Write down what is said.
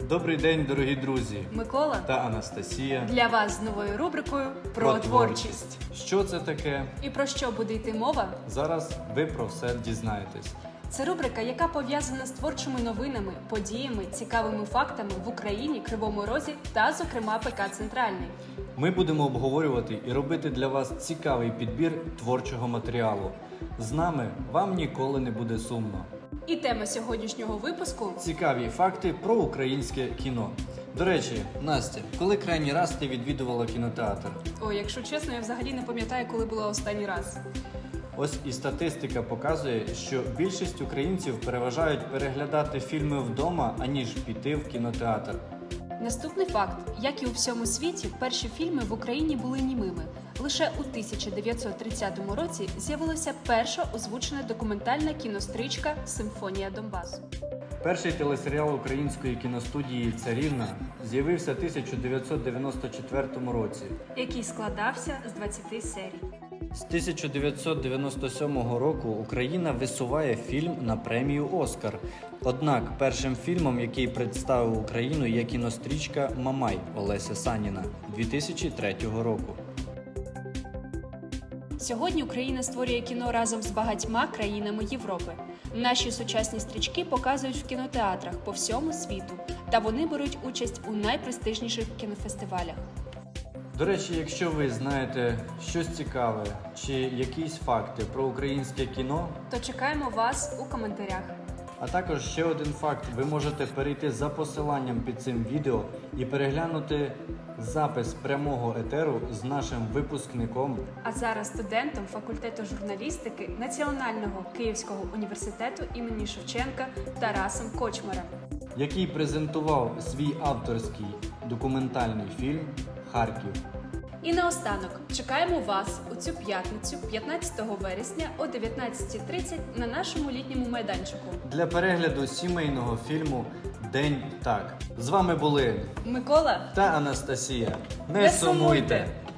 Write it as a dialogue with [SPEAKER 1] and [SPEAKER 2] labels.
[SPEAKER 1] Добрий день, дорогі друзі!
[SPEAKER 2] Микола
[SPEAKER 1] Та Анастасія.
[SPEAKER 2] для вас з новою рубрикою про творчість.
[SPEAKER 1] Що це таке?
[SPEAKER 2] І про що буде йти мова?
[SPEAKER 1] Зараз ви про все дізнаєтесь.
[SPEAKER 2] Це рубрика, яка пов'язана з творчими новинами, подіями, цікавими фактами в Україні, Кривому Розі та, зокрема, ПК «Центральний».
[SPEAKER 1] Ми будемо обговорювати і робити для вас цікавий підбір творчого матеріалу. З нами вам ніколи не буде сумно.
[SPEAKER 2] І тема сьогоднішнього випуску
[SPEAKER 1] Цікаві факти про українське кіно. До речі, Настя, коли крайній раз ти відвідувала кінотеатр?
[SPEAKER 2] Ой, якщо чесно, я взагалі не пам'ятаю, коли була останній раз.
[SPEAKER 1] Ось і статистика показує, що більшість українців переважають переглядати фільми вдома, аніж піти в кінотеатр.
[SPEAKER 2] Наступний факт. Як і у всьому світі, перші фільми в Україні були німими. Лише у 1930 році з'явилася перша озвучена документальна кінострічка «Симфонія Донбасу».
[SPEAKER 1] Перший телесеріал української кіностудії «Царівна» з'явився в 1994 році.
[SPEAKER 2] Який складався з 20 серій.
[SPEAKER 1] З 1997 року Україна висуває фільм на премію «Оскар». Однак першим фільмом, який представив Україну, є кінострічка «Мамай» Олеся Саніна 2003 року.
[SPEAKER 2] Сьогодні Україна створює кіно разом з багатьма країнами Європи. Наші сучасні стрічки показують в кінотеатрах по всьому світу, та вони беруть участь у найпрестижніших кінофестивалях.
[SPEAKER 1] До речі, якщо ви знаєте щось цікаве чи якісь факти про українське кіно,
[SPEAKER 2] То чекаємо вас у коментарях.
[SPEAKER 1] а також ще один факт, ви можете перейти за посиланням під цим відео і переглянути запис прямого етеру з нашим випускником,
[SPEAKER 2] А зараз студентом факультету журналістики Національного Київського університету імені Шевченка Тарасом Кочмарем.
[SPEAKER 1] який презентував свій авторський документальний фільм «Харків».
[SPEAKER 2] І наостанок чекаємо вас у цю п'ятницю, 15 вересня о 19:30 на нашому літньому майданчику.
[SPEAKER 1] Для перегляду сімейного фільму «День так». З вами були
[SPEAKER 2] Микола,
[SPEAKER 1] та Анастасія. Не
[SPEAKER 2] Не
[SPEAKER 1] сумуйте!
[SPEAKER 2] сумуйте!